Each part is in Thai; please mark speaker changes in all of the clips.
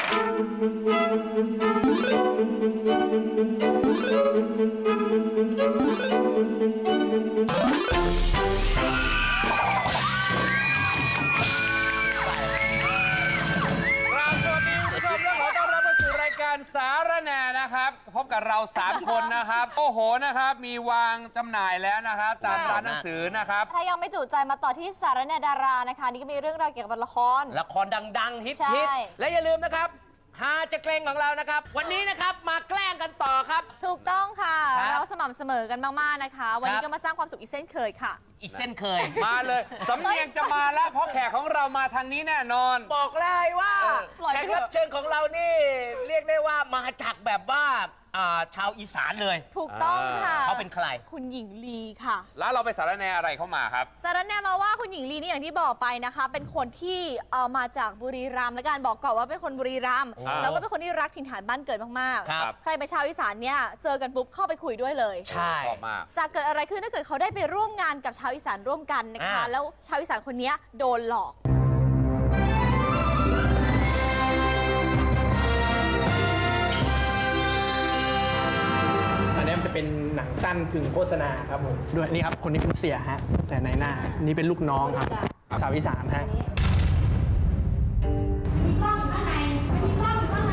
Speaker 1: สารแหน่นะครับพบกับเรา3 คนนะครับโอ้โหนะครับมีวางจำหน่ายแล้วนะครับตามร้านหนังสือนะครับ
Speaker 2: ถ้ายังไม่จุใจมาต่อที่สารแหน่ดารานะคะนี่ก็มีเรื่องราวเกี่ยวกับละคร
Speaker 3: ดังๆฮิตและอย่าลืมนะครับฮาจะเกรงของเรานะครับวันนี้นะครับมาแกล้งกันต่อครับ
Speaker 2: ถูกต้องค่ะเราสม่ำเสมอกันมากๆนะคะวันนี้ก็มาสร้างความสุขอีกเช่นเคยค่ะ
Speaker 3: อีกเส้นเคย
Speaker 1: มาเลยสำเนียงจะมาแล้วเพราะแขกของเรามาทางนี้แน่นอน
Speaker 3: บอกเลยว่าแขกรับเชิญของเรานี่เรียกได้ว่ามาจากแบบว่าชาวอีสานเลย
Speaker 2: ถูกต้องค่ะ
Speaker 3: เขาเป็นใคร
Speaker 2: คุณหญิงลีค่ะ
Speaker 1: แล้วเราไปสารแหน่อะไรเข้ามาครับ
Speaker 2: สารแหน่มาว่าคุณหญิงลีนี่อย่างที่บอกไปนะคะเป็นคนที่มาจากบุรีรัมย์และการบอกก่อนว่าเป็นคนบุรีรัมย์แล้วก็เป็นคนที่รักถิ่นฐานบ้านเกิดมากๆใครไปชาวอีสานเนี่ยเจอกันปุ๊บเข้าไปคุยด้วยเลย
Speaker 3: ใช่
Speaker 1: ชอบมาก
Speaker 2: จะเกิดอะไรขึ้นถ้าเกิดเขาได้ไปร่วมงานกับชาวอีสานร่วมกันนะคะแล้วชาวอีสานคนนี้โดนหลอก
Speaker 4: จะเป็นหนังสั้นกึ่งโฆษณาครับผมด้วยนี่ครับคนนี้เป็นเสียฮะแต่ในหน้านี่เป็นลูกน้องครับชาวอีสานฮะมีกล้องข้างในมีกล้องข้างใน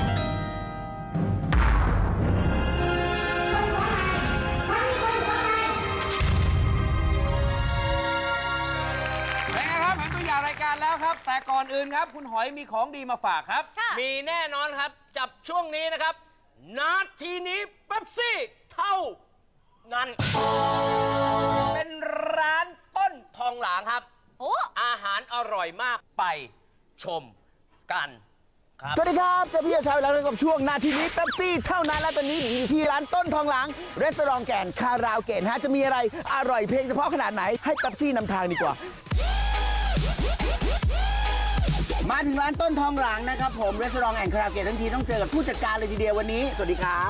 Speaker 1: เป็นไงครับเห็นตัวอย่างรายการแล้วครับแต่ก่อนอื่นครับคุณหอยมีของดีมาฝากครับ
Speaker 3: มีแน่นอนครับจับช่วงนี้นะครับนาทีนี้เป๊ปซี่เท่านั้นเป็นร้านต้นทองหลางครับอาหารอร่อยมากไปชมกันครับ
Speaker 5: สวัสดีครับเจ้าพี่ชายแล้วกับช่วงนาทีนี้เป๊ปซี่เท่านั้นและตอนนี้อยู่ที่ร้านต้นทองหลางรีสอร์ทแก่นคาราวเกตฮะจะมีอะไรอร่อยเพลงเฉพาะขนาดไหนให้เป๊ปซี่นำทางดีกว่ามาถึงร้านต้นทองหลางนะครับผมรีสอร์ทแอนด์คาราโอเกะทั้งทีต้องเจอกับผู้จัดการเลยทีเดียววันนี้สวัสดีครับ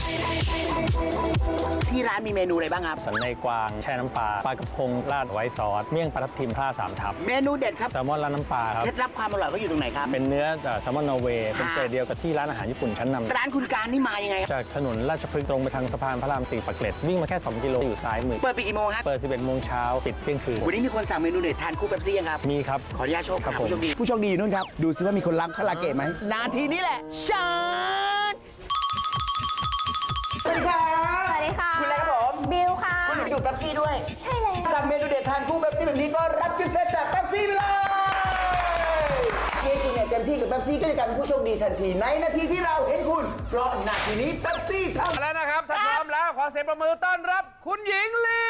Speaker 5: ที่ร้านมีเมนูอะไรบ้างครับ
Speaker 6: สันในกวางแช่น้ำปลากระพงราดไว้ซอสเมี่ยงปลาทับทิมท่า3 ทับ
Speaker 5: เมนูเด็ดครับ
Speaker 6: แซลมอนราดน้ำปลาครับ
Speaker 5: เคล็ดลับความอร่อยเขาอยู่ตรงไหนครับ
Speaker 6: เป็นเนื้อแซลมอนนอร์เวย์เป็นเกรดเดียวกับที่ร้านอาหารญี่ปุ่นชั้นนำ
Speaker 5: ร้านคุณการนี่มายังไง
Speaker 6: จากถนนราชพฤกษ์ตรงไปทางสะพานพระราม4ปากเกร็ดวิ่งมาแค่2 กิโลอยู่ซ้ายมือ
Speaker 5: เปิดกี่โมงครับ
Speaker 6: เปิด 11 โมงเช้าปิดเที่ยงคืน
Speaker 5: วันนี้มีคนสั่งเมนูเด็ดทานคู่เป๊ปซี่ยังครับ
Speaker 6: มีครับ
Speaker 5: ขออนุญาตโชว์ครับผู้โชคดีอยู่นู่นครับดูซิว่ามีคนรับคาราโอเกะไหมนาทีนี้แหละชันสวัสดีครับ
Speaker 2: สวัสดีค่ะ
Speaker 5: คุณอะไรครับผม
Speaker 2: บิวค่ะ
Speaker 5: คุณอยู่เป๊ปซี่ด้วย
Speaker 2: ใช่เลย
Speaker 5: สั่งเมนูเด็ดทานคู่เป๊ปซี่แบบนี้ก็รับกิฟต์เซตจากเป๊ปซี่ไปเลยเมื่อคุณเนี่ยเต็มที่กับเป๊ปซี่ก็จะกลายเป็นผู้โชคดีทันทีในนาทีที่เราเห็นคุณเพราะนาทีนี้เป๊ปซี่ทำ
Speaker 1: แล้วนะครับถ้าพร้อมแล้วขอเสียงประมือต้อนรับคุณหญิงลี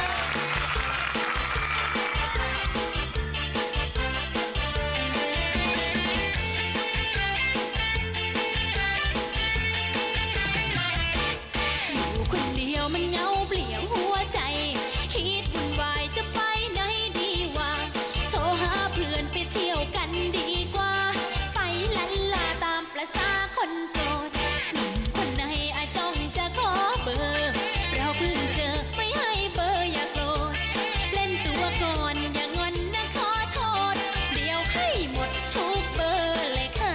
Speaker 7: มันเงาเปลี่ยวหัวใจคิดวุ่นวายจะไปไหนดีวะโทรหาเพื่อนไปเที่ยวกันดีกว่าไปลันลาตามประสาคนโสดหนุ่มคนไหนอาจ้องจะขอเบอร์เราเพิ่งเจอไม่ให้เบอร์อย่าโกรธเล่นตัวก่อนอย่างอนนะขอโทษเดี๋ยวให้หมดทุกเบอร์เลยค่ะ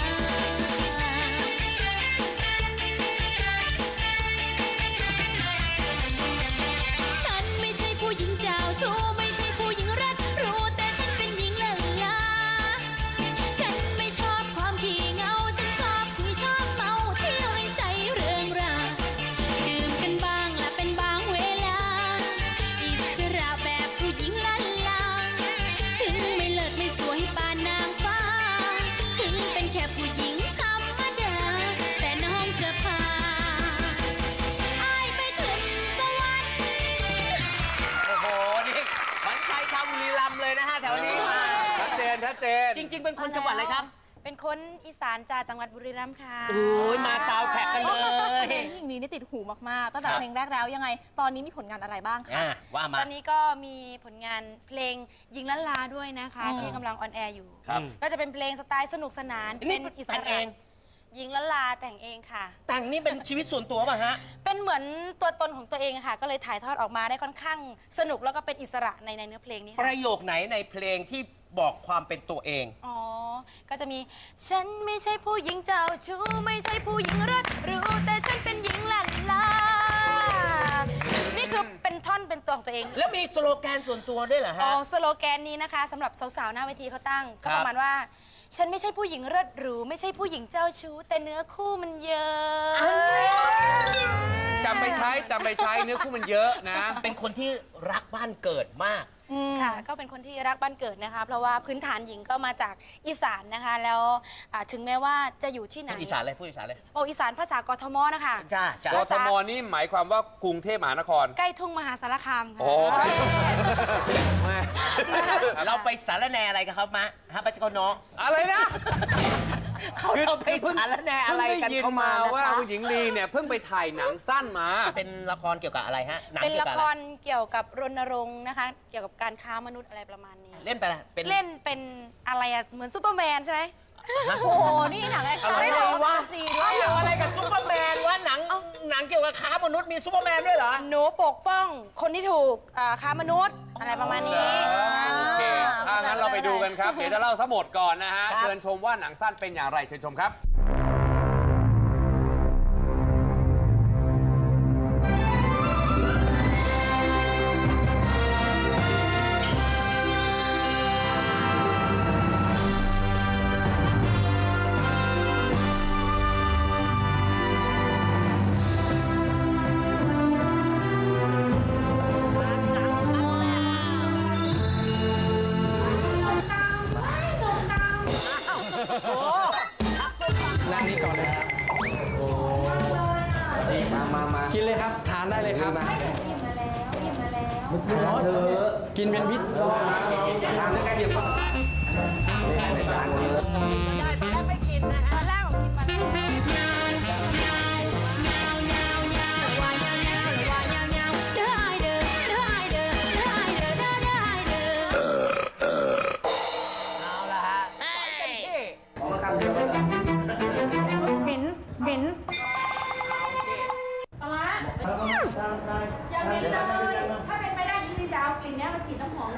Speaker 7: ผู้หญิงเจ้าชู้ไม่ใช่ผู้หญิงรักรู้แต่ฉันเป็นหญิงเลิศลาฉันไม่ชอบความขี้เหงาฉันชอบคุยชอบเมาเที่ยวให้ใจเริงราดื่มกันบ้างและเป็นบางเวลาอิสระแบบผู้หญิงลันลาถึงไม่เลิศไม่สวยปานนางฟ้าถึงเป็นแค่ผู้หญิงธรรมดาแต่น้องจะพาอ้ายไปขึ้นสวรรค์
Speaker 3: บุรีรัมย์เลยนะฮะแถวนี้
Speaker 1: ชัดเจน
Speaker 3: จริงๆเป็นคนจังหวัดอะไรครับ
Speaker 2: เป็นคนอีสานจากจังหวัดบุรีรัมย์ค่ะ
Speaker 3: โอ้ยมาซาวแท็กกันเลย
Speaker 2: เพลงหญิงลีนี่ติดหูมากๆตั้งแต่เพลงแรกแล้วยังไงตอนนี้มีผลงานอะไรบ้างคะ
Speaker 3: ว่ามา
Speaker 8: ตอนนี้ก็มีผลงานเพลงยิงล้านลาด้วยนะคะที่กำลังออนแอร์อยู่ก็จะเป็นเพลงสไตล์สนุกสนานเป็นอิสระหญิงละลาแต่งเองค่ะ
Speaker 3: แต่งนี่เป็นชีวิตส่วนตัวป่ะฮะ
Speaker 8: เป็นเหมือนตัวตนของตัวเองค่ะ ก็เลยถ่ายทอดออกมาได้ค่อนข้างสนุกแล้วก็เป็นอิสระในเนื้อเพลงนี้
Speaker 3: ป
Speaker 8: ค่ะ
Speaker 3: ระโยคไหนในเพลงที่บอกความเป็นตัวเอง
Speaker 8: อ๋อ ก็จะมีฉันไม่ใช่ผู้หญิงเจ้าชู้ไม่ใช่ผู้หญิงรักรู้แต่ฉันเป็นหญิงละลานี่คือเป็นท่อนเป็นตัวของตัวเอง
Speaker 3: แล้วมีสโลแกนส่วนตัวด้วยเหรอ
Speaker 8: อ๋
Speaker 3: ฮะ
Speaker 8: อสโลแกนนี้นะคะสำหรับสาวๆหน้าเวทีเขาตั้ง
Speaker 3: ครั
Speaker 8: ก็
Speaker 3: บ
Speaker 8: ประมาณว่า ฉันไม่ใช่ผู้หญิงเลิศหรูไม่ใช่ผู้หญิงเจ้าชู้แต่เนื้อคู่มันเยอะ
Speaker 1: จำไปใช้เนื้อคู่มันเยอะนะ
Speaker 3: เป็นคนที่รักบ้านเกิดมาก
Speaker 8: ค่ะก็เป็นคนที่รักบ้านเกิดนะคะเพราะว่าพื้นฐานหญิงก็มาจากอีสานนะคะแล้วถึงแม้ว่าจะอยู่ที่ไหน
Speaker 3: พูดอีสานเลยพูดอีสานเลย
Speaker 8: โออีสานภาษากทมนะคะ
Speaker 3: จ้าก
Speaker 1: ทมนี่หมายความว่ากรุงเทพมหานคร
Speaker 8: ใกล้ทุ่งมหาสารคามค่ะ
Speaker 1: โอ้ใกล้
Speaker 3: เราไปสารแหนอะไรกันครับมะฮะปัจจุบันน้อง
Speaker 1: อะไรนะ
Speaker 3: เราไปสารแหนอะไรกัน
Speaker 1: เพิ่งได้ยิน
Speaker 3: เข้ามา
Speaker 1: มาว่า
Speaker 3: นะคะ
Speaker 1: คุณหญิงลีเนี่ยเพิ่งไปถ่ายหนังสั้นมา
Speaker 3: เป็นละครเกี่ยวกับอะไรฮะหนัง
Speaker 8: เป็น
Speaker 3: เกี่ยว
Speaker 8: ละ
Speaker 3: กับ
Speaker 8: ค
Speaker 3: อะไร
Speaker 8: รเกี่ยวกับรณรงค์นะคะ เกี่ยวกับการค้ามนุษย์อะไรประมาณนี้
Speaker 3: เล่นไปละเป็น
Speaker 8: เล่นเป็นอะไรอะเหมือนซูเปอร์แมนใช่ไหม
Speaker 3: ฮะ
Speaker 2: โอ้โห นี่หนังแอคชั่น
Speaker 3: อะไรวะ
Speaker 2: ซีด้วย
Speaker 3: เกี่ยวอะไรกับซูเปอร์แมนวะหนังเกี่ยวกับค้ามนุษย์มีซูเปอร์แมนด้วยเหรอ
Speaker 8: หนูปกป้องคนที่ถูกค้ามนุษย์อะไรประมาณนี้
Speaker 1: โอเคถ้างั้นเราไปดูกันครับ เดี๋ยวจะเล่าซะหมดก่อนนะฮะ
Speaker 3: ครับ
Speaker 1: เชิญชมว่าหนังสั้นเป็นอย่างไรเชิญชมครับ
Speaker 4: ด้านนี้ก่อนเลยครับโอ้มากินเลยครับ ทานได้เลยครับกินเป็นพิษ
Speaker 5: ทานด้วยกันเดี๋ยว
Speaker 8: ตอนแรกผมกินมาแล้ว
Speaker 3: เอาละฮะเต็มที่
Speaker 9: เหม็นเหม็น
Speaker 8: อย่าเป็นเลย ถ้าเป็นไปได้จริงๆจะเอากลิ่นนี้มาฉีดน้ำหอม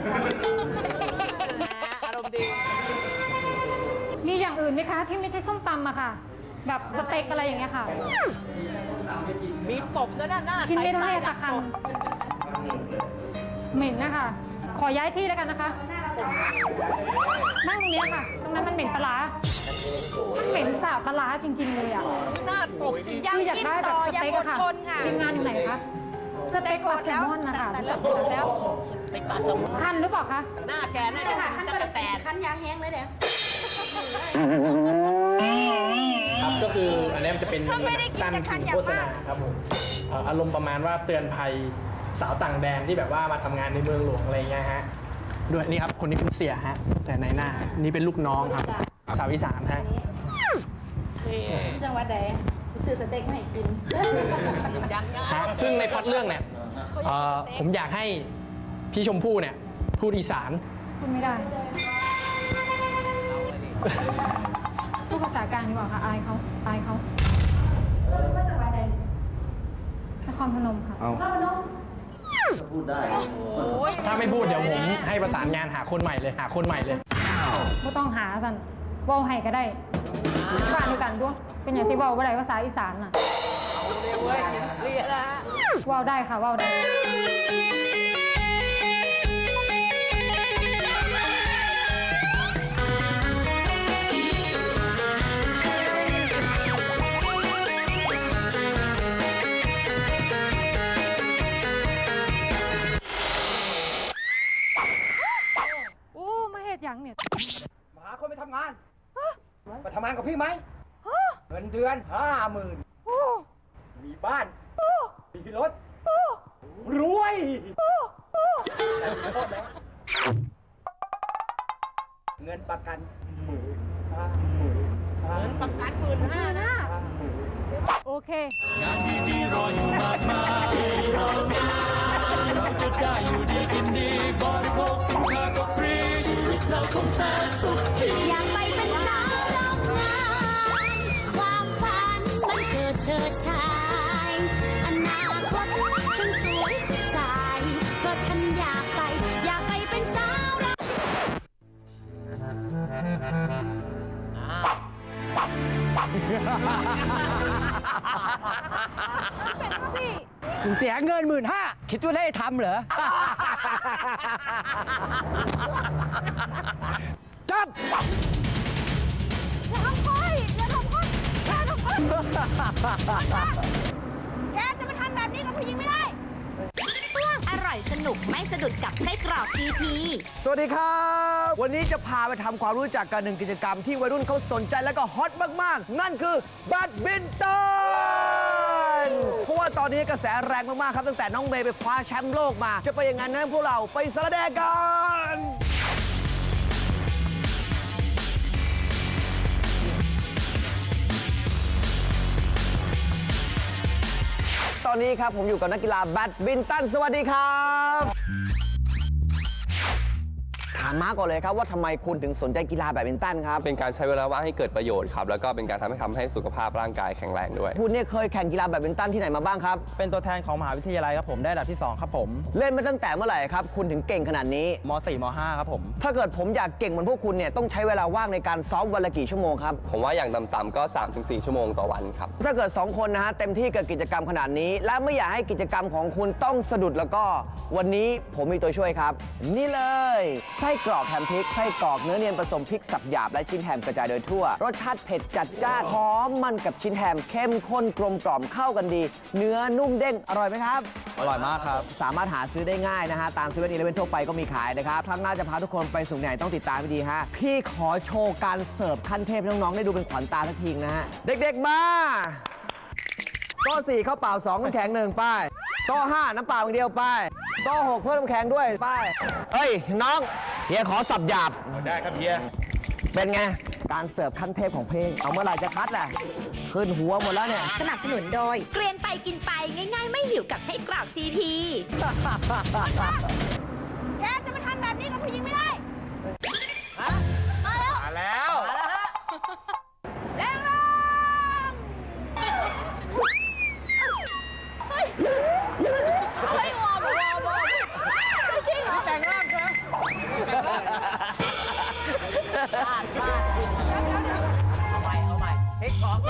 Speaker 3: อารมณ์ดี
Speaker 9: มีอย่างอื่นไหมคะที่ไม่ใช่ส้มตำอะค่ะ แบบสเต็กอะไรอย่างเงี้ยค่ะ
Speaker 3: มีตบด้วยนะหน้า
Speaker 9: กินไม่ได้
Speaker 3: ใส่
Speaker 9: สักคำเหม็นนะคะ ขอย้ายที่แล้วกันนะคะ นั่งตรงนี้ค่ะ ตรงนั้นมันเหม็นปลาร้ามันเหม็นสาบปลาร้าจริง ๆ เลยอะ
Speaker 3: หน้าตบจริง
Speaker 8: ยัง
Speaker 9: คืออยาก
Speaker 8: กิน
Speaker 9: ได้แบ
Speaker 8: ต่
Speaker 9: บ
Speaker 8: อ
Speaker 9: ส
Speaker 8: ยัง
Speaker 9: เต็ก
Speaker 8: อ
Speaker 9: อะ
Speaker 8: ด
Speaker 9: ค่ะ
Speaker 8: ทนค่ะ
Speaker 9: ทีมงานอยู่ไหนคะ สเต็กปลาแซลมอนนะคะ
Speaker 8: แต่เริ่มปวดแล้ว
Speaker 3: สเต็กปลาแซลมอน
Speaker 9: คันหรือเปล่าคะ
Speaker 3: หน้าแกน่าจะ
Speaker 8: ขั้น
Speaker 3: ตะแตน
Speaker 8: ขั้นยางแห้งเลยเดี๋ยว
Speaker 4: ครับก็คืออันนี้มันจะเป็น
Speaker 8: ถ้าไม่ได้กิน
Speaker 4: สั้น
Speaker 8: จะคั
Speaker 4: ถึ
Speaker 8: น
Speaker 4: ง
Speaker 8: อย่าง
Speaker 4: โฆษ
Speaker 8: มา
Speaker 4: ณาก ครับผมอารมณ์ประมาณว่าเตือนภัยสาวต่างแดนที่แบบว่ามาทำงานในเมืองหลวงอะไรเงี้ยฮะด้วยนี่ครับคนนี้เป็นเสียฮะเสียในหน้านี่เป็นลูกน้องครับสาวอีสานฮะ
Speaker 8: ที่จังหวัดใดซื้อสเต็กมาให้กิน
Speaker 4: ฮะซึ่งในพล็อตเรื่องเนี่ยผมอยากให้พี่ชมพู่เนี่ยพูดอีสาน
Speaker 9: พูดไม่ได้ พูดภาษากลางดีกว่าค่ะอายเขานครพนมค่ะ
Speaker 4: ถ้าไม่พูดเดี๋ยวผมให้ประสานงานหาคนใหม่เลย
Speaker 9: ไม่ต้องหาสันเว้าให้ก็ได้บ้านด้วยกันด้วยเป็นอย่างที่เว้าว่าไรภาษาอีสานน่ะ
Speaker 3: เว้ยเรียนนะฮะ
Speaker 9: เว้าได้ค่ะเว้าได้ โอ้มาเหตุอย่างเนี่ย
Speaker 5: มาหาคนไปทำงานมาทำงานกับพี่ไหมเงินเดือน50,000มีบ้านมีรถรวยแต่มีโทษนะเงินประกัน15,000
Speaker 3: ประกัน15,000นะ
Speaker 9: โอเค
Speaker 10: งานดีๆรออยู่มากมายเราจะได้อยู่ดีกินดีบริโภคสินค้าก็ฟรีชีวิตเราคงแสนสุขที่
Speaker 7: อยากไปเป็นสาวโรงงานความ
Speaker 11: เสียเงิน15,000คิดว่าได้ทำเหรอ จับ
Speaker 2: อย่าทำค่อยอย่าทำค่อยอย่าทำค่อยแกจะมาทำแบบนี้กับผู้หญิงไม่ได้
Speaker 12: อร่อยสนุกไม่สะดุดกับไส้กรอกซีพี
Speaker 11: สวัสดีครับ วันนี้จะพาไปทำความรู้จักกันหนึ่งกิจกรรมที่วัยรุ่นเขาสนใจและก็ฮอตมากๆ นั่นคือแบดมินตันเพราะว่าตอนนี้กระแสแรงมากๆครับตั้งแต่น้องเมย์ไปคว้าแชมป์โลกมาจะไปอย่างนั้นนะพวกเราไปสระแดงกันตอนนี้ครับผมอยู่กับนักกีฬาแบดมินตันสวัสดีครับถามมาก่อนเลยครับว่าทำไมคุณถึงสนใจกีฬาแบดมินตันครับ
Speaker 13: เป็นการใช้เวลาว่างให้เกิดประโยชน์ครับแล้วก็เป็นการทำให้สุขภาพร่างกายแข็งแรงด้วย
Speaker 11: คุณเนี่ยเคยแข่งกีฬาแบดมินตันที่ไหนมาบ้างครับ
Speaker 14: เป็นตัวแทนของมหาวิทยาลัยครับผมได้อันดับที่2ครับผม
Speaker 11: เล่นมาตั้งแต่เมื่อไหร่ครับคุณถึงเก่งขนาดนี้
Speaker 14: ม.4 ม.5 ครับผม
Speaker 11: ถ้าเกิดผมอยากเก่งเหมือนพวกคุณเนี่ยต้องใช้เวลาว่างในการซ้อมวันละกี่ชั่วโมงครับ
Speaker 13: ผมว่าอย่างต่ำๆก็ 3-4 ชั่วโมงต่อวันครับ
Speaker 11: ถ้าเกิด2คนนะฮะเต็มที่กับกิจกรรมขนาดนี้และไม่อยากให้กิจกรรมของคุณต้องสะดุดแล้วก็วันนี้ผมมีตัวช่วยครับนี่เลยไส้กรอกแฮมพริกไส้กรอกเนื้อเนียนผสมพริกสับหยาบและชิ้นแฮมกระจายโดยทั่วรสชาติเผ็ดจัดจ้านหอมมันกับชิ้นแฮมเข้มข้นกลมกล่อมเข้ากันดีเนื้อนุ่มเด้งอร่อยไหมครับ
Speaker 14: อร่อยมากครับ
Speaker 11: สามารถหาซื้อได้ง่ายนะฮะตาม7-11ทั่วไปก็มีขายนะครับครั้งหน้าจะพาทุกคนไปสู่ไหนต้องติดตามให้ดีฮะพี่ขอโชว์การเสิร์ฟขั้นเทพให้น้องๆได้ดูเป็นขวัญตาสักทีนะฮะเด็กๆมาโต๊ะ4ข้าวเปล่า2น้ำแข็ง1ป้ายโต๊ะ5น้ำเปล่าอย่างเดียวป้ายโต๊ะ6เพิ่มน้ำแข็งด้วยป้ายเฮ้ยน้องเฮียขอสับหยาบ
Speaker 14: ได้ครับเฮีย
Speaker 11: เป็นไงการเสิร์ฟขั้นเทพของเพลงเอาเมื่อไหร่จะคัดแหละขึ้นหัวหมดแล้วเนี่ย
Speaker 12: สนับสนุนโดยเกรียนไปกินไปง่ายๆไม่หิวกับไส้กรอกซีพี
Speaker 2: แกจะมาทำแบบนี้กับผู้หญิงไม่ได้มาแล้วแรงลงเฮ้ยวอร์มไม่ใช่เหรอแต่งร่างเธอ
Speaker 3: เอาใหม่เทค2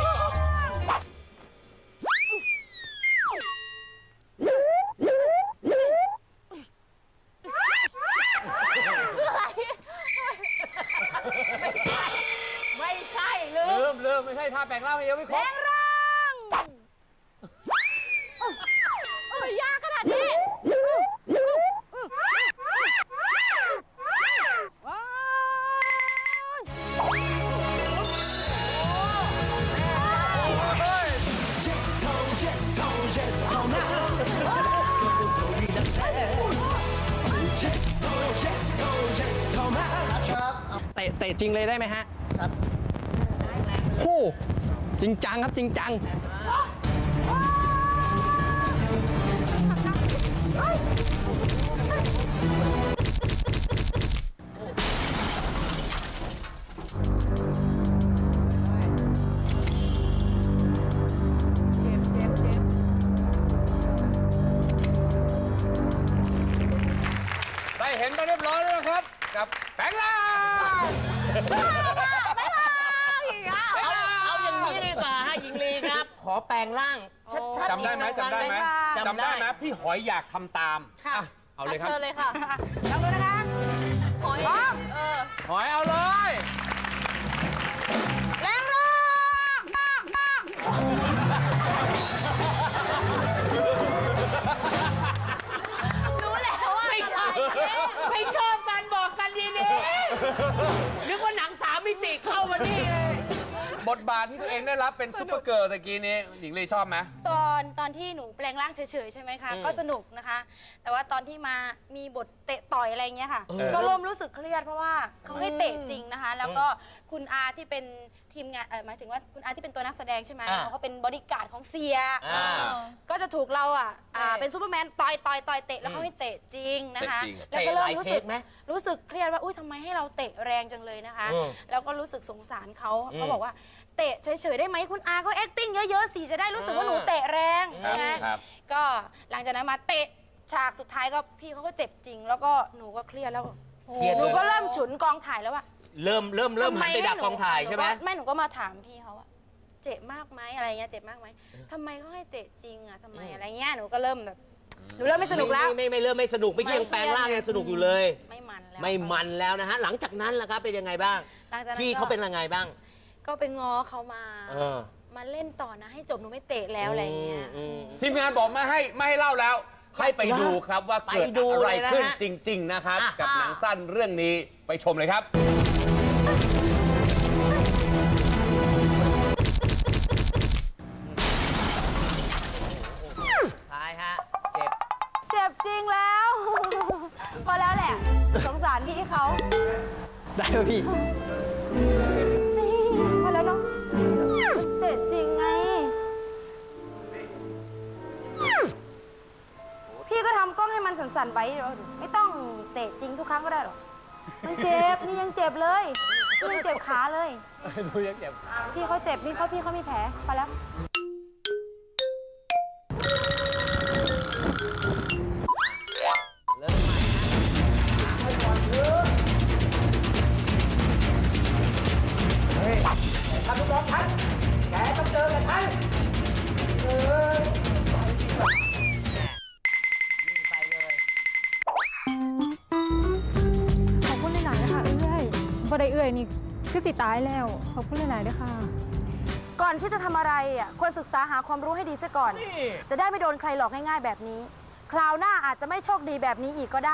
Speaker 2: ไม่ใช่ลืม
Speaker 1: ไม่ใช่ท่าแปลงร่างไม่เยอะไม่ครบ
Speaker 2: แปลงร่างยากขนาดนี้
Speaker 4: เตะจริงเลยได้ไหมฮะครับโอ้จริงจังครับจริงจัง
Speaker 1: ได้เห็นไปเรียบร้อยแล้วนะครับกับแปลงร่าง
Speaker 3: เอาอย่างนี้ดีกว่าฮะหญิงลีครับขอแปลงร่างชัดๆ
Speaker 1: จำได้ไหมพี่หอยอยากทำตามเอาเลยครับ
Speaker 2: เชิญเลยค่ะลองดูนะคะหอย
Speaker 1: หอยเอาเลย
Speaker 2: แรงร่างรู้แล้วว่า
Speaker 3: ไม่ชอบกันบอกกันดีๆนึกว่าหนัง3 มิติเข้ามานี่
Speaker 1: บทบาทที่ตัวเองได้รับเป็นซุปเปอร์เกิร์ลตะกี้นี้หญิงลีชอบไหม
Speaker 8: ตอนที่หนูแปลงร่างเฉยๆใช่ไหมคะก็สนุกนะคะ แต่ว่าตอนที่มามีบทเตะต่อยอะไรเงี้ยค่ะก็เริ่มรู้สึกเครียดเพราะว่าเขาให้เตะจริงนะคะแล้วก็คุณอาที่เป็นทีมงานหมายถึงว่าคุณอาที่เป็นตัวนักแสดงใช่ไหมเขาเป็นบริการของเสียก็จะถูกเราเป็นซูเปอร์แมนต่อยเตะแล้วเขาให้เตะจริงนะคะแล้วก็เริ่มรู้สึกเครียดว่าอุ้ยทำไมให้เราเตะแรงจังเลยนะคะแล้วก็รู้สึกสงสารเขาบอกว่าเตะเฉยๆได้ไหมคุณอาก็ acting เยอะๆสิจะได้รู้สึกว่าหนูเตะแรงใช่ไหมก็หลังจากนั้นมาเตะฉากสุดท้ายก็พี่เขาก็เจ็บจริงแล้วก็หนูก็เครียดแล้วหนูก็เริ่มฉุนกองถ่ายแล้วว่า
Speaker 3: เริ่มหันไปดักกองถ่ายใช่ไหม
Speaker 8: ไม่หนูก็มาถามพี่เขาว่าเจ็บมากไหมอะไรเงี้ยเจ็บมากไหมทำไมเขาให้เตะจริงอ่ะทำไมอะไรเงี้ยหนูก็เริ่มแบบหนูเริ่มไม่สนุกแล้ว
Speaker 3: ไม่เริ่มไม่สนุกไม่ยังแปลงร่างยังสนุกอยู่เลย
Speaker 8: ไม่มันแล้ว
Speaker 3: ไม่มันแล้วนะฮะหลังจากนั้นล่ะครับเป็นยังไงบ้าง
Speaker 8: หลังจากนั้น
Speaker 3: พี่เขาเป็นยังไงบ้าง
Speaker 8: ก็ไปง้อเขามา มาเล่นต่อนะให้จบหนูไม่เตะแล้วอะไรเงี้ย
Speaker 1: ทีมงานบอกไม่ให้เล่าแล้ว ให้ไปดูครับว่าเกิดอะไรขึ้นจริง ๆ นะครับ กับหนังสั้นเรื่องนี้ไปชมเลยครับ
Speaker 3: ท้ายฮะ
Speaker 8: เจ็บจริงแล้วพอแล้วแหละสงสารพี่เขา
Speaker 4: ได้ไหมพี่
Speaker 8: พอแล้วเนาะเตะจริงไงพี่ก็ทำกล้องให้มันสั่นๆไว้ไม่ต้องเตะจริงทุกครั้งก็ได้หรอกมันเจ็บนี่ยังเจ็บเลยนี่ยังเจ็บขาเลยดูยังเจ็บพี่เขาเจ็บพี่เขามีแผลพอแล้ว
Speaker 5: ทำทุกรอบทันแกต้องเจอกับทัน
Speaker 9: ขอบคุณหลายๆนะคะเอื้อยบ่ได้เอื้อยนี่คือสิตายแล้วขอบคุณหลายๆด้วยค่ะ
Speaker 8: ก่อนที่จะทำอะไรอ่ะควรศึกษาหาความรู้ให้ดีซะก่อน จะได้ไม่โดนใครหลอกง่ายๆแบบนี้ คราวหน้าอาจจะไม่โชคดีแบบนี้อีกก็ได้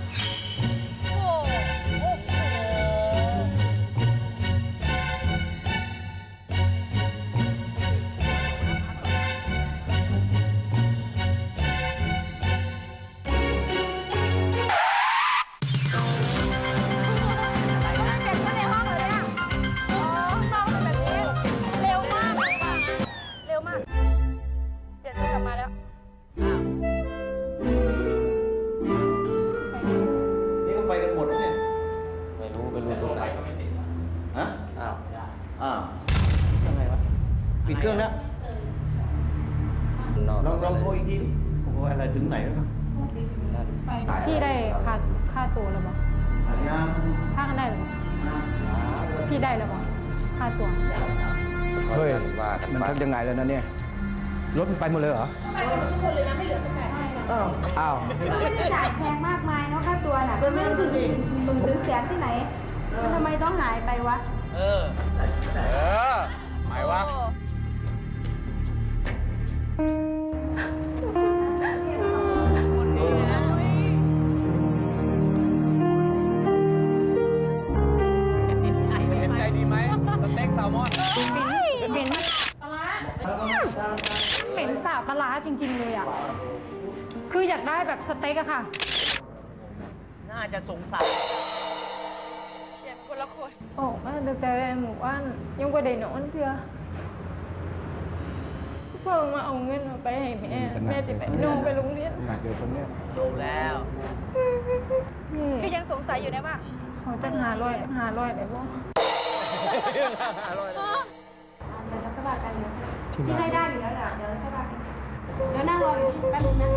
Speaker 5: นี่ก็ไปกันหมดเนี่ยไม่รู้ตรงไหนฮะอ้าวยังไงวะปิดเครื่องแล้วลองโทรอีกทีดิโอ้โหอะไรถึงไหนแล้ว
Speaker 9: พี่ได้ค่าตัวแล้วมั้งค่ากันได้หรือมั้งพี่ได้แล้วมั้งค่าตัว
Speaker 11: เฮ้ยมันทำยังไงแล้วนะเนี่ยรถมันไปหมดเลยเหรอ
Speaker 8: ไปกันทุกคนเลยนะไม่เหลือสักแผล
Speaker 11: อ้าว
Speaker 8: ไม่ได้จ่ายแพงมากมายเนาะค่าตัวน่ะไม่ได้ถึงหมื่นถึงแสนที่ไหนมันทำไมต้องหายไปวะ
Speaker 1: หมายว่าเห็นใจดีไหมสเต็กแซลมอน
Speaker 9: เหม็นสาบปลาร้าจริงๆเลยอ่ะ คืออยากได้แบบสเต็กอะค่ะ
Speaker 3: น่าจะสงสัย
Speaker 8: เปลี่ยนคนละคน
Speaker 9: โอ้แม่แต่หมู่บ้านยังกว่าเด็กหนอนเพื่อเพิ่งมาเอาเงินมาไปให้แม่จะไปน้องไปโรงเรียน
Speaker 11: เดี๋ยวคนเนี้ย
Speaker 3: ลงแล้ว
Speaker 8: คือยังสงสัยอยู่นะว่า
Speaker 9: เขาจะหาร้อยได้บ่ที่ได้อยู่แล้วแหละเดี๋ยวสบายเดี๋ยวนั่งรออยู่แป๊บนึงนะ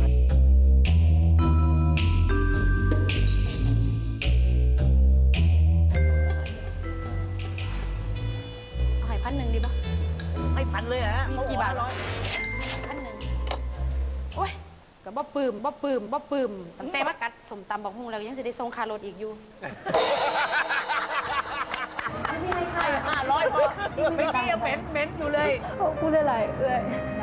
Speaker 8: เอาให้1,000ดีป่ะ
Speaker 3: ไม่พันเลยฮะ
Speaker 8: มีกี่บาท1,000โอ้ยก็บ่ปืมตั้งแต่ว่ากัดสมตำบอกฮุงแล้วยังจะได้ส่งคารถอีกอยู่
Speaker 3: ให้500พอเมื่อกี้ยังเหม็นอยู่เลย
Speaker 9: พูดอะไรเอ้ย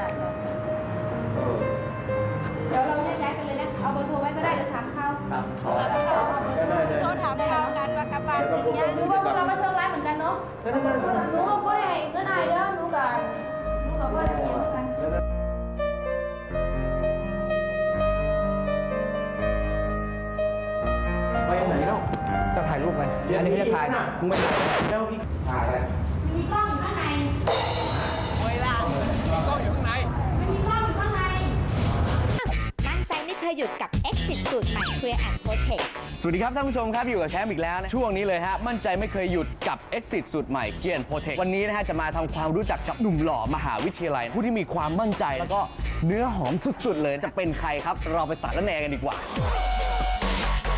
Speaker 9: เดี๋ยวเราย้ายกันเลยนะ เอาเบอร์โทรไว้ก็ได้เดี๋ยวถามเขาโทรถามเขากันว่ากลับบ้านถึงยังรู้ว่าพวกเราก็โชคร้ายเหมือนกันเนาะหนูก็บ่ได้ให้เงินอายเด้อหนูก็บ่ได้ให้เหมือนกัน
Speaker 5: ไปไหนแล้ว
Speaker 11: ก็ถ่ายรูปไงอันนี้ไม่ใช่ถ่ายมึงไม่ถ่าย
Speaker 5: แล้วพี่ถ่ายอะไร
Speaker 8: มีกล้องอยู่ข้างใน
Speaker 1: มีกล้องอยู่ข้างใน
Speaker 8: มีกล้องอยู่ข้างใน
Speaker 12: มั่นใจไม่เคยหยุดกับ Exit สูตรใหม่ Clear and Protect
Speaker 14: สวัสดีครับท่านผู้ชมครับอยู่กับแชมป์อีกแล้วนะช่วงนี้เลยฮะมั่นใจไม่เคยหยุดกับ Exit สูตรใหม่ Clear and Protect วันนี้นะฮะจะมาทำความรู้จักกับหนุ่มหล่อมหาวิทยาลัย ผู้ที่มีความมั่นใจแล้วก็เนื้อหอมสุดๆเลยจะเป็นใครครับเราไปสารแหนกันดีกว่า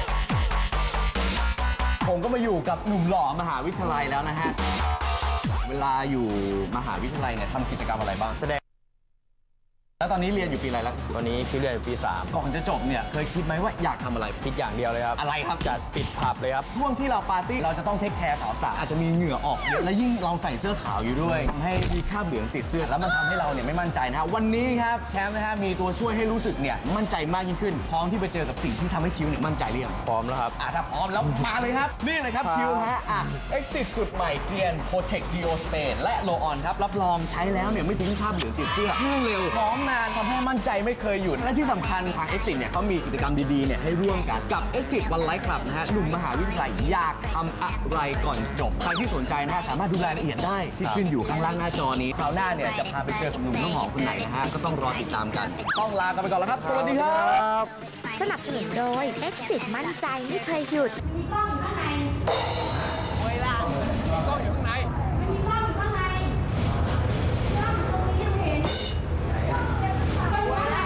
Speaker 14: ผมก็มาอยู่กับหนุ่มหล่อมหาวิทยาลัยแล้วนะฮะเวลาอยู่มหาวิทยาลัยเนี่ยทำกิจกรรมอะไรบ้างแสดงแล้วตอนนี้เรียนอยู่ปีอะไรแล้ว
Speaker 6: ตอนนี้คิดเรียนอยู่ปี 3
Speaker 14: ก่อนจะจบเนี่ยเคยคิดไหมว่าอยากทำอะไร
Speaker 6: คิดอย่างเดียวเลยครับ
Speaker 14: อะไรครับ
Speaker 6: จัดปิดผับเลยครับ
Speaker 14: ช่วงที่เราปาร์ตี้เราจะต้องเทคแคร์สาวๆอาจจะมีเหงื่อออกเยอะและยิ่งเราใส่เสื้อขาวอยู่ด้วยทำให้มีคราบเหลืองติดเสื้อแล้วมันทำให้เราเนี่ยไม่มั่นใจนะฮะวันนี้ครับแชมป์นะฮะมีตัวช่วยให้รู้สึกเนี่ยมั่นใจมากยิ่งขึ้นพร้อมที่ไปเจอกับสิ่งที่ทำให้คิวเนี่ยมั่นใจหรือยัง
Speaker 6: พร้อมแล้วครับ
Speaker 14: ถ้าพร้อมแล้วมาเลยครับนี่เลยครับคิวฮะExit สุดใหม่เกลียน Protect Dio Spray และ Roll On ครับรับรองใช้แล้วเนี่ยไม่ทิ้งคราบเหลืองติดเสื้อเครื่องเร็วหอมนานทำให้มั่นใจไม่เคยหยุดและที่สำคัญทาง Exit เนี่ยเขามีกิจกรรมดีๆเนี่ยให้ร่วมกันกับ Exit One Life Club นะฮะหนุ่มมหาวิทยาลัยอยากทำอะไรก่อนจบใครที่สนใจนะฮะสามารถดูรายละเอียดได้ที่ขึ้นอยู่ข้างล่างหน้าจอนี้คราวหน้าเนี่ยจะพาไปเจอกับหนุ่มน้องหอมคนไหนนะฮะก็ต้องรอติดตามกันต้องลากันไปก่อนแล้วครับสวัสดีครับ
Speaker 12: สนับสนุนโดย Exit มั่นใจไม่เคยหยุด
Speaker 9: มีกล้องอยู่ข้างใน
Speaker 1: เวลามีกล้องอยู่ข้างใน
Speaker 9: มันมีกล้องอยู่ข้างในกล้องตรงนี้ยังเห็นกล้องอยู่ข้างใน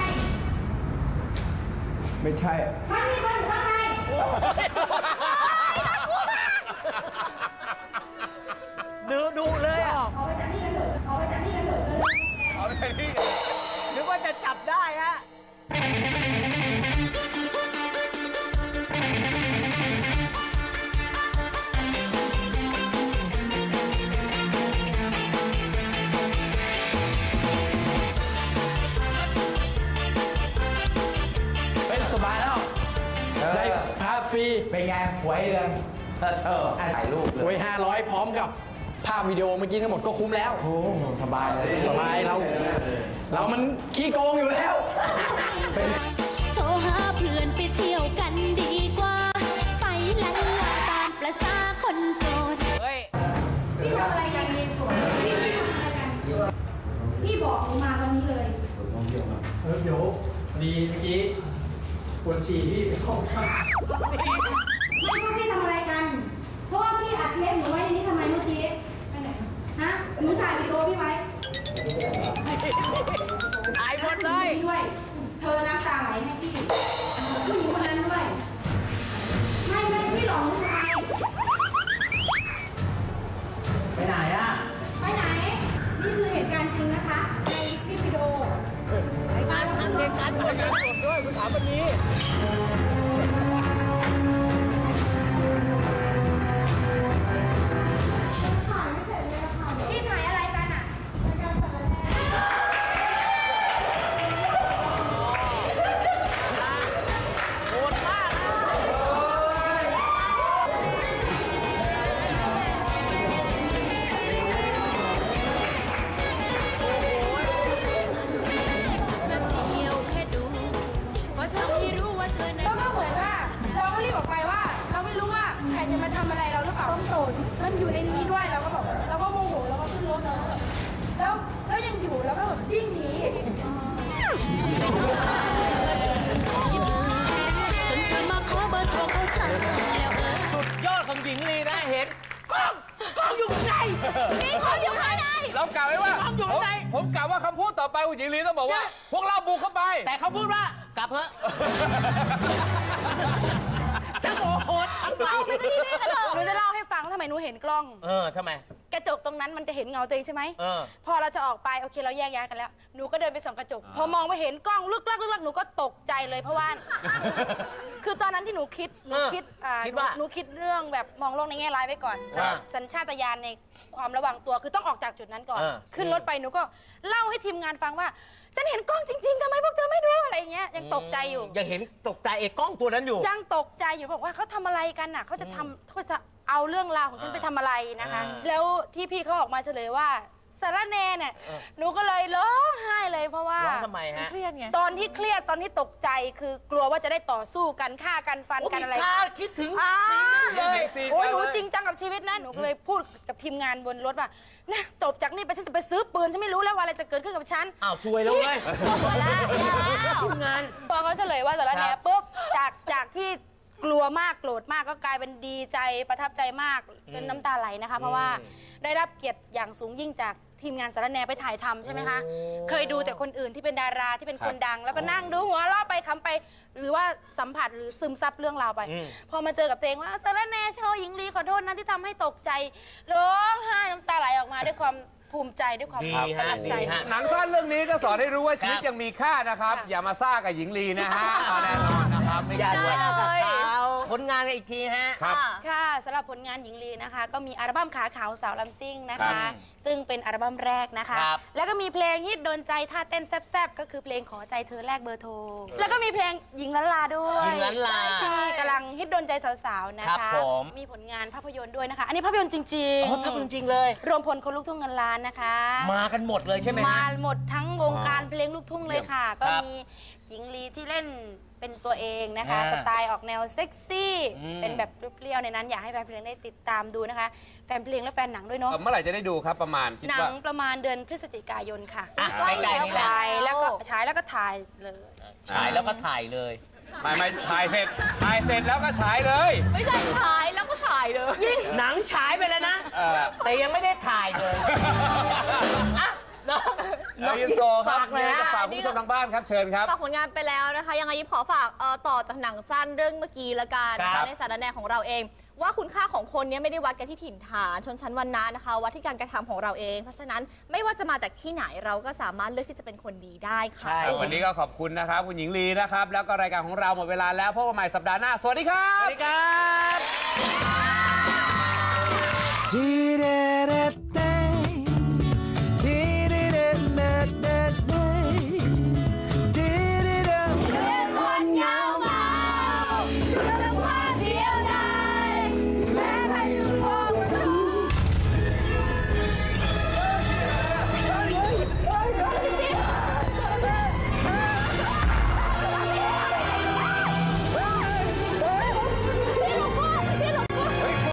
Speaker 5: ไม่ใช่
Speaker 9: มันมีคนอยู่ข้างใน
Speaker 3: ดูเลยอ่ะ
Speaker 9: เอาไปจากนี่กันเถอะเอาไปจากนี่กันเถอะ
Speaker 1: เอาไปใช้นี่
Speaker 3: นึกว่าจะจับได้ฮะ
Speaker 4: เป็นสบายแล้วได้พาฟรี
Speaker 5: เป็นไงหวยเรืองถ่ายรูปเลย
Speaker 4: ไว้500 พร้อมกับภาพวิดีโอเมื่อกี้ทั้งหมดก็คุ้มแล้ว
Speaker 5: โอ้สบายเลย
Speaker 4: สบายเรามันขี้โกงอยู่แล้ว
Speaker 7: โทรหาเพื่อนไปเที่ยวกันดีกว่า ไปลันลาตามประสาคนโสด
Speaker 9: พี่ทำอะไรกันในสวนพี่ทำอะไรกัน พี่บอกหนูมาตอนนี้เลย
Speaker 4: เดี๋ยวดีเมื่อกี้ปวดฉี่พี่ไปห้องข้าง
Speaker 9: ไม่ว่าพี่ทำอะไรกัน เพราะว่าพี่อัดเทปหนูไว้ในนี้ทำไมเมื่อกี้ไปไหนฮะหนูถ่ายวิดีโอพี่ไว้
Speaker 3: ถ่ายหมดเลย
Speaker 9: ด้วย เธอน้ำตาไหลให้พี่ผู้หญิงคนนั้นด้วย ไม่พี่หลอกหนูทำไม
Speaker 4: ไปไหนอ่ะ
Speaker 9: ไปไหน นี่คือเหตุการณ์จริงนะคะ ในคลิปวิดีโอ
Speaker 3: รายการทำเหตุการณ์สดด้วยคุณถามวันนี้
Speaker 9: พี่ถ่ายอะไรกันอ่ะ
Speaker 3: โหดมาก
Speaker 7: แบบเดียวแค่ดูก็ทำให้รู้ว่าเธอนั้น
Speaker 9: แล้วก็เหมือนว่าเราก็รีบออกไปว่า เราไม่รู้ว่าใครจะมาทำอะไรเราหรือเปล่าต้องโตมันอยู่ในนี้ด้วยเราก็บอกเราก็โมโหเราก็ขึ้นรถแล้วยังอยู่แล้วก็แบบวิ่งหนี
Speaker 7: จนเธอมาขอเบอร์โทรเขาจำแล้วเออ
Speaker 3: สุดยอดของหญิงลีนะเห็นกล้องอยู่ข้างใน
Speaker 2: มีคนอยู่ข้างใน
Speaker 1: เรากล่าวไว้ว่า
Speaker 3: กล้องอยู่ข้างใน
Speaker 1: ผมกล่าวว่าคำพูดต่อไปคุณหญิงลีต้องบอกว่า พวกเราบุกเข้าไป
Speaker 3: แต่เขาพูดว่ากลับเถอะจะโมโหทั้ง
Speaker 2: เอาไปที่นี่กันเถอะ
Speaker 8: หนูจะเล่าให้ฟังทำไมหนูเห็นกล้อง
Speaker 3: ทำไม
Speaker 8: กระจกตรงนั้นมันจะเห็นเงาตัวเองใช่ไหม พอเราจะออกไปโอเคเราแยกย้ายกันแล้ว หนูก็เดินไปส่องกระจก พอมองไปเห็นกล้องลึกลักหนูก็ตกใจเลยเพราะว่า คือตอนนั้นที่หนูคิดหนูคิดเรื่องแบบมองโลกในแง่ร้ายไว้ก่อน สัญชาตญาณในความระวังตัวคือต้องออกจากจุดนั้นก่อน ขึ้นรถไปหนูก็เล่าให้ทีมงานฟังว่าฉันเห็นกล้องจริงๆทำไมพวกเธอไม่ดูอะไรอย่างเงี้ยยังตกใจอยู่
Speaker 3: ยังเห็นตกใจกล้องตัวนั้นอยู่
Speaker 8: ยังตกใจอยู่บอกว่าเขาทำอะไรกันน่ะเขาจะเอาเรื่องราวของฉันไปทำอะไรนะคะ แล้วที่พี่เขาออกมาเฉลยว่าสารแนเนี่ยหนูก็เลยร้องไห้เลยเพราะว่า
Speaker 3: ร้องทำไมฮะ
Speaker 2: เครียดไง
Speaker 8: ตอนที่เครียดตอนที่ตกใจคือกลัวว่าจะได้ต่อสู้กันฆ่ากันฟันกันอะไร
Speaker 3: คิดถึง
Speaker 8: เลย
Speaker 1: ซีน
Speaker 8: โอ้ย
Speaker 1: เลย
Speaker 8: หนูจริงจังกับชีวิตนะหนูก็เลยพูดกับทีมงานบนรถว่านะจบจากนี่ไปฉันจะไปซื้อปืนฉันไม่รู้แล้วว่าอะไรจะเกิดขึ้นกับฉัน
Speaker 3: อ้าวซวยแล้วเว้ย
Speaker 8: ทีมงานพอเขาเฉลยว่าสารแนปุ๊บจากที่กลัวมากโกรธมากก็กลายเป็นดีใจประทับใจมากจนน้ำตาไหลนะคะเพราะว่าได้รับเกียรติอย่างสูงยิ่งจากทีมงานสารแหนไปถ่ายทำใช่ไหมคะเคยดูแต่คนอื่นที่เป็นดาราที่เป็นคนดัง แล้วก็นั่งดูหัวเราะไปคำไปหรือว่าสัมผัสหรือซึมซับเรื่องราวไปพอมาเจอกับตัวเองว่าสารแหนโชว์หญิงลีขอโทษนะที่ทำให้ตกใจร้องไห้น้ำตาไหลออกมาด้วยความภูมิใจด้วยความประทับใจ
Speaker 1: หนังสั้นเรื่องนี้ก็สอนให้รู้ว่าชีวิตยังมีค่านะครับ อย่ามาซ่ากับหญิงลีนะฮะแน่นอนนะครับไม่
Speaker 3: อย่า
Speaker 1: ควร
Speaker 3: ซ่ากับเขาผลงานกันอีกทีฮะ
Speaker 8: ค่ะสำหรับผลงานหญิงลีนะคะ ก็มีอัลบั้มขาขาวสาวลำซิ่งนะคะ ซึ่งเป็นอัลบั้มแรกนะคะ แล้วก็มีเพลงฮิตโดนใจท่าเต้นแซ่บๆก็คือเพลงขอใจเธอแลกเบอร์โทรแล้วก็มีเพลงหญิงล้านลาด้วย
Speaker 3: หญิงล้านลา
Speaker 8: ที่กำลังฮิตโดนใจสาวๆนะ
Speaker 3: ครั
Speaker 8: คะ
Speaker 3: บผม
Speaker 8: มีผลงานภาพยนตร์ด้วยนะคะ อันนี้ภาพยนตร์จริง
Speaker 3: อ๋อภาพยนตร์จริงเลย
Speaker 8: รวมพลคนลูกทุ่งเงินล้านนะคะ
Speaker 3: มากันหมดเลยใช่ไหมฮะ
Speaker 8: มาหมดทั้งวงการเพลงลูกทุ่งเลยค่ะ ก็
Speaker 3: ครับ
Speaker 8: มีหญิงลีที่เล่นเป็นตัวเองนะคะ
Speaker 3: อ่า
Speaker 8: สไตล์ออกแนวเซ็กซี่
Speaker 3: อืม
Speaker 8: เป็นแบบเปรี้ยวๆในนั้นอยากให้แฟนเพลงได้ติดตามดูนะคะ แฟนเพลงและแฟนหนังด้วยเนาะ
Speaker 1: เมื่อไหร่จะได้ดูครับประมาณคิด
Speaker 8: หนัง
Speaker 1: ว่า
Speaker 8: ประมาณเดือนพฤศจิกายนค่ะ
Speaker 3: อ่ะใกล้ๆนี่แหละ
Speaker 8: ถ่ายแล้วก็ฉายแล้วก็ถ่ายเลย
Speaker 3: ฉายแล้วก็ถ่ายเลย
Speaker 1: ไม่ถ่ายเสร็จแล้วก็ฉายเลย
Speaker 2: ไม่ใช่ฉายแล้วก็ฉายเลย
Speaker 3: หนังฉายไปแล้วนะ แต่ยังไม่ได้ถ่ายเลยอ่ะน้อง
Speaker 1: ยินโซครับ
Speaker 3: ฝากเลย
Speaker 1: มีอะไร
Speaker 3: ฮะ
Speaker 1: จะฝากคุณผู้ชมทางบ้านครับเชิญครับ
Speaker 2: ฝากผลงานไปแล้วนะคะ ยังไงยิบขอฝากต่อจากหนังสั้นเรื่องเมื่อกี้ละกันนะ
Speaker 1: ครั
Speaker 2: คะ
Speaker 1: บ
Speaker 2: ในสารแนของเราเอง ว่าคุณค่าของคนเนี้ไม่ได้วัดกันที่ถิ่นฐานชนชั้นวรรณะนะคะวัดที่การกระทำของเราเอง เพราะฉะนั้นไม่ว่าจะมาจากที่ไหนเราก็สามารถเลือกที่จะเป็นคนดีได้ค่ะ
Speaker 1: วันนี้ก็ขอบคุณนะครับคุณหญิงลีนะครับ แล้วก็รายการของเราหมดเวลาแล้วพบกันใหม่สัปดาห์หน้าสวัสดีครับ
Speaker 3: สวัสดีครับ
Speaker 5: ที่